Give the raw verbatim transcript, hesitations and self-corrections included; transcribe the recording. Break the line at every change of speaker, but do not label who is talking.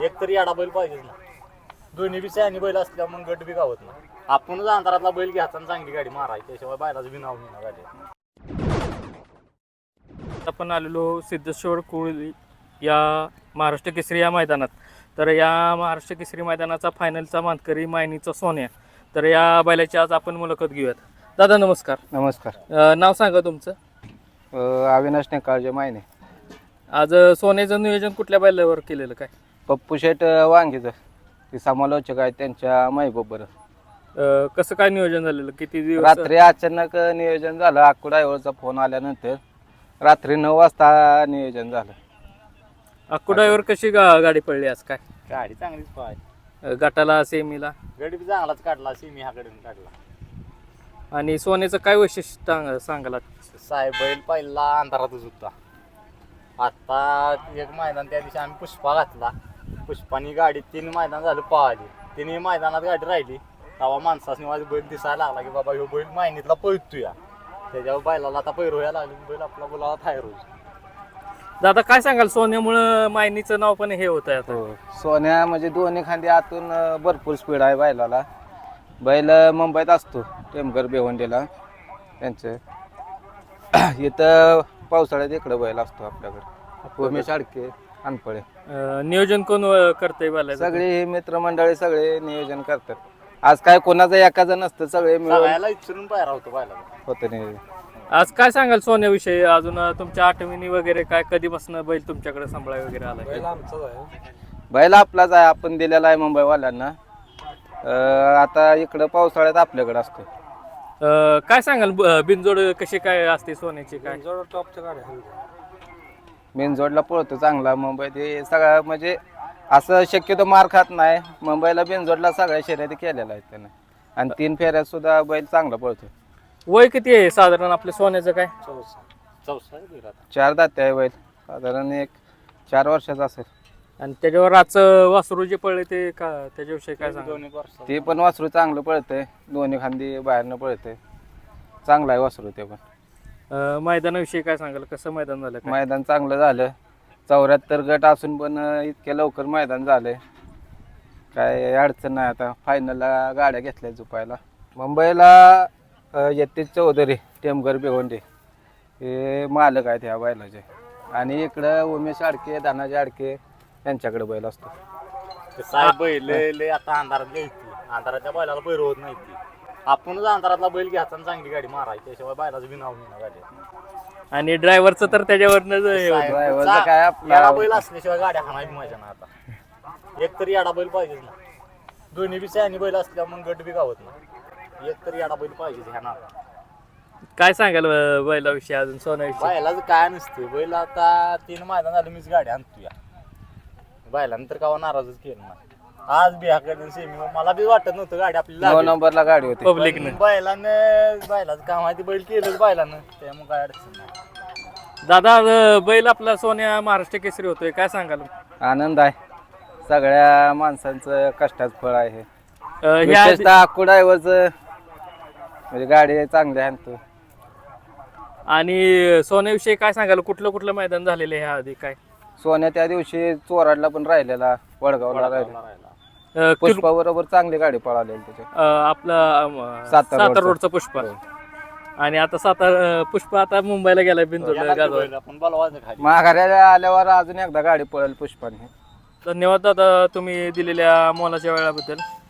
एक तरी याडा बैल पाहिजेच ना. दोन्ही बी सॅनी बैल असल्या मग गट बी गावत ना. आपणच अंधारातला बैल घ्यायचा आणि चांगली गाडी मारायची, त्याशिवाय बैलाचं बी नाव नाही झाले.
आपण आलेलो सिद्धेश्वर कुळी या महाराष्ट्र केसरी या मैदानात. तर या महाराष्ट्र केसरी मैदानाचा फायनलचा मानकरी मायनीचा सोन्या. तर या बैलाची आज आपण मुलाखत घेऊयात. दादा नमस्कार.
नमस्कार.
अ, नाव सांगा तुमचं.
अ, अविनाश नेकाळजे मायने.
आज सोन्याचं नियोजन कुठल्या बैलावर केलेलं काय?
पप्पू शेठ वांगीचं ते समालोचक आहेत त्यांच्या महबूबवर.
अ, कसं काय नियोजन झालेलं? किती दिवस?
रात्री अचानक नियोजन झालं. अक्कू ड्रायव्हरचा फोन आल्यानंतर रात्री नऊ वाजता नियोजन झालं.
अक्कू ड्रायव्हर कशी गा गाडी पडली आज काय?
गाडी चांगलीच पाय,
अ, गटाला सेमीला
गडी बी चांगलाच काढला, सिमी हा कडून काढला.
आणि सोन्याचं काय वैशिष्ट्य सांग- सांगाल?
साहेब बैल पहिला अंधारातच होता. आता एक मैदान त्या दिवशी आम्ही पुष्पा घातला. पुष्पानी गाडी तीन मैदान झालं पळाली. तिन्ही मैदानात गाडी राहिली. तेव्हा माणसाने माझा बैल दिसायला लागला की बाबा ह्यो बैल मायनीतला पळतोया. त्याच्यावर बैलाला आता पैर व्हायला लागली, बैल आपला बोलावा थाय रोज.
दादा काय सांगाल? सोन्यामुळं मायनीचं नाव पण हे होत आहे आता.
हो. सोन्या म्हणजे दोन्ही खांदी आतून अ, भरपूर स्पीड आहे बैलाला. बैल मुंबईत असतो टेमघर बेवंडीला त्यांचं. इथं पावसाळ्यात इकडं बैल असतो आपल्याकडे. उमेश आडके अनपळे
अ, नियोजन कोण अ, करतंय बैलाचं?
सगळे हे मित्रमंडळी सगळे नियोजन करतात. आज काय कोणाचं एकाचं नसतं, सगळे मिळून
सगळ्याला इच्छून पायरा होतो बैलाला.
होतं नियोजन.
आज काय सांगाल सोन्याविषयी? अजून अ, तुमच्या आठवणी वगैरे काय? कधीपासून बैल तुमच्याकडे सांभाळाय वगैरे आला?
बैल आपलाच आहे, आपण दिलेला आहे मुंबईवाल्यांना. अं, आता इकडं पावसाळ्यात आपल्याकडे असतो.
अ, काय सांगाल? ब- बिनजोड कशी काय असते सोन्याची काय?
बिनजोडला पळतो चांगला मुंबईत. हे सगळं म्हणजे असं शक्यतो मार खात नाही. मुंबईला बिनजोडला सगळ्या शर्यती केलेल्या आहेत त्यानं. आणि तीन फेऱ्यात सुद्धा बैल चांगला पळतो.
वय किती आहे साधारण आपल्या सोन्याचं काय?
चौसा आहे बैल आता.
चार दाते आहे बैल, साधारण एक चार वर्षाचा असेल.
आणि त्याच्यावर आजचं वासरू जे पडले ते का त्याच्याविषयी काय सांगा?
दोन्ही वर्षात.
ते पण वासरू चांगलं पळतंय, दोन्ही खांदी बाहेरनं पळतंय. चांगला आहे वासरू ते पण.
अ, मैदानाविषयी काय सांगाल? कसं मैदान झालं काय?
मैदान चांगलं झालं. चौऱ्याहत्तर गट असून पण इतक्या लवकर मैदान झालंय, काय अडचण नाही. आता फायनलला गाड्या घेतल्या झुपायला. मुंबईला अ, यतीश चौधरी टेमघर बेवंडे हे मालक आहेत ह्या बैलाचे. आणि इकडं उमेश आडके दानाजी आडके यांच्याकडे बैल असतो.
ते साहेब बैल लय- लय आता अंधारात घ्यायची. अंधाराच्या बैलाला पैर होत नाही ती. आपणच अंधारातला बैल घ्यायचा आणि चांगली गाडी मारायची, त्याशिवाय बैलाचं बी नाव नाही झाले.
आणि ड्रायव्हरचं तर त्याच्यावरनं हे होतं.
ड्रायव्हरचं काय आपला-
याडा बैल असल्याशिवाय गाड्या हाणायची मजा ना. आता एक तरी याडा बैल पाहिजेच ना. दोन्ही बी सॅनी बैल असल्या मग गट बी गावत ना. एक तरी याडा बैल पाहिजेच ह्या ना.
काय सांगाल अ, बैलाविषयी अजून सोन्याविषयी?
बैलाचं काय नसते. बैल आता तीन मैदान झालं मीच गाडी आणतो या बैलानंतर कावा नाराजच केलं ना. आज बी ह्याकडे सेमी मला बी वाटत नव्हतं गाडी आपल्याला
नऊ
लागेल.
नंबरला गाडी होती.
पब्लिकनं
पण बैलानं बैलाचं काम आहे ते बैल केलंच बैलानं, त्यामुळे काय अडचण नाही.
दादा अ, बैल आपला सोन्या महाराष्ट्र केसरी होतोय, काय सांगाल?
आनंद आहे. सगळ्या माणसांचं कष्टाचं फळ आहे हे.
अ, ह्या आधी-
विशेषतः अक्कू ड्रायव्हरचं म्हणजे गाडी चांगली आहे तो.
आणि सोन्याविषयी काय सांगाल? कुठलं कुठलं मैदान झालेलं आहे ह्या आधी काय?
सोन्या त्या दिवशी चोराडला पण राहिलेला, वडगावला राहिला.
वडापावला राहिला.
अ, किर-
पुष्पा बरोबर चांगली गाडी पळालेली त्याच्या.
अ, आपला अम,
सातारा
सातारा रोडचा
रोडचा.
पुष्प.
हो.
आणि आता सातारा पुष्प आता मुंबईला गेलाय बिनजोडला
याला ते
गाजवायला.
बैल आपण बोलवायचं खाली.
माघाऱ्याला आल्यावर अजून एकदा गाडी पळेल पुष्पाने.
धन्यवाद दादा तुम्ही दिलेल्या मोलाच्या वेळाबद्दल.